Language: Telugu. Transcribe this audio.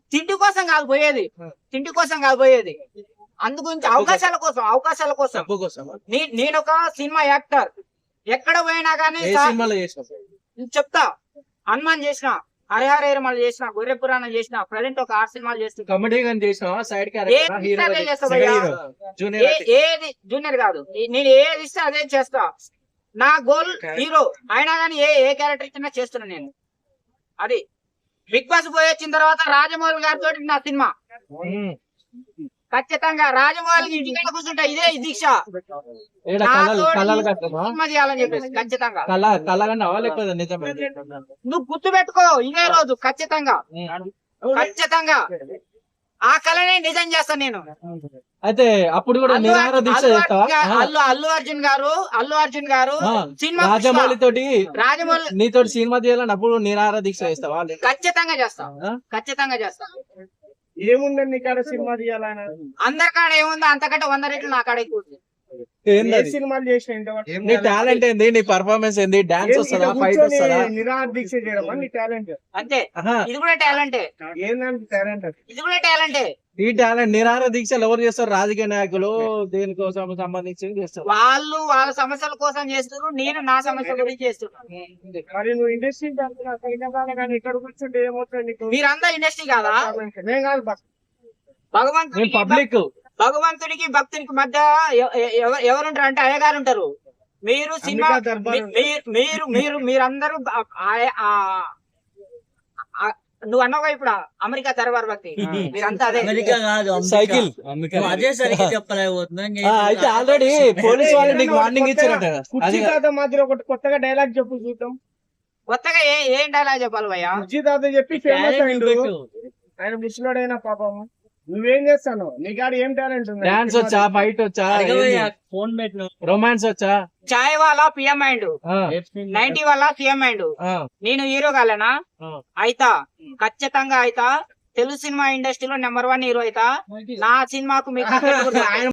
తిండి కోసం కాదు పోయేది, తిండి కోసం కాదు పోయేది, అందుగురించి అవకాశాల కోసం. నేను ఒక సినిమా యాక్టర్, ఎక్కడ పోయినా కానీ చెప్తా. హనుమాన్ చేసిన, హరిహర చేసిన, గొర్రె పురాణం చేసిన, ప్రజెంట్ ఒక 6 సినిమాలు చేస్తున్నా. కామెడీ గాని చేసినావా? సైడ్ ఏది జూనియర్ కాదు, నేను ఏది ఇస్తే అదే చేస్తా. నా గోల్ హీరో అయినా కానీ ఏ క్యారెక్టర్ ఇచ్చినా చేస్తున్నా నేను. అది బిగ్ బాస్ పోయి వచ్చిన తర్వాత రాజమౌళి గారితో నా సినిమా ఖచ్చితంగా. రాజమౌళి ఇంటికి కూర్చుంటా, ఇదే దీక్ష సినిమా చేయాలని చెప్పేసి ఖచ్చితంగా. నువ్వు గుర్తు పెట్టుకో, ఇదే రోజు ఖచ్చితంగా ఆ కళనే నిజం చేస్తాను నేను. అయితే అప్పుడు కూడా నిరాహార దీక్ష చేస్తావా? అల్లు అర్జున్ గారు సినిమా రాజమౌళి నీతో సినిమా చేయాలని అప్పుడు నిరాహార దీక్ష చేస్తావా? ఖచ్చితంగా చేస్తా. ఏముందండి నీ కాడ సినిమా తీయాలని? అందరికాడ ఏముందో అంతకంటే 100 రెట్లు నా కాడ ఎక్కువ. సినిమాలు చేసిన నీ టాలెంట్ ఏంది? నీ పర్ఫార్మెన్స్ ఏంది? డాన్స్ వస్తుందా? ఫైట్ వస్తుందా? నిరాహార దీక్ష చేయడం నీ టాలెంట్ అంతే. ఇది కూడా టాలెంటే. ఏంటంటే టాలెంట్, ఇది కూడా టాలెంటే. ఈ టాలెంట్ నిరాహార దీక్షలు ఎవరు చేస్తారు? రాజకీయ నాయకులు దేనికోసం సంబంధించి చేస్తారు. వాళ్ళు వాళ్ళ సమస్యల కోసం చేస్తారు, నేను నా సమస్యల గురించి చేస్తున్నాను. మరి నువ్వు ఇండస్ట్రీ కానీ ఇక్కడ కూర్చుంటే ఏమవుతుంది? మీరంతా ఇండస్ట్రీ కాదా? నేను కాదు, పబ్లిక్. భగవంతుడికి భక్తునికి మధ్య ఎవరుంటారు అంటే అయ్యగారు ఉంటారు. మీరు సినిమా మీరందరూ నువ్వు అన్నావు ఇప్పుడు అమెరికా దర్బార్ భక్తి, మీరంతా అదే. అమెరికా కాదు, సైకిల్ అదే సరిగ్గా చెప్పలేకపోతున్నా. అయితే ఆల్రెడీ పోలీస్ వాళ్ళు నీకు వార్నింగ్ ఇచ్చారట. కుర్చీ తాత మాదిరి ఒకటి కొత్తగా డైలాగ్ చెప్పు చూద్దాం. కొత్తగా ఏం డైలాగ్ చెప్పాలి భయ్యా? కుర్చీ తాత చెప్పి ఫేమస్ అయిండు ఆయన, ముసలోడైనా పాపం. నువ్వేం చేస్తాను? నీ కాడ ఏం టాలెంట్ ఉంది? డాన్స్ వచ్చా? ఫైట్ వచ్చా? ఫోన్ పెట్టిన రొమాన్స్ వచ్చా? చాయ్ వాళ్ళ పిఎం అయిండు, 90 వాళ్ళ సీఎం అయిండు. నేను హీరో కాలేనా? అయితా, ఖచ్చితంగా అయితా. తెలుగు సినిమా ఇండస్ట్రీలో నెంబర్ 1 హీరో అయితా. నా సినిమాకు మీకు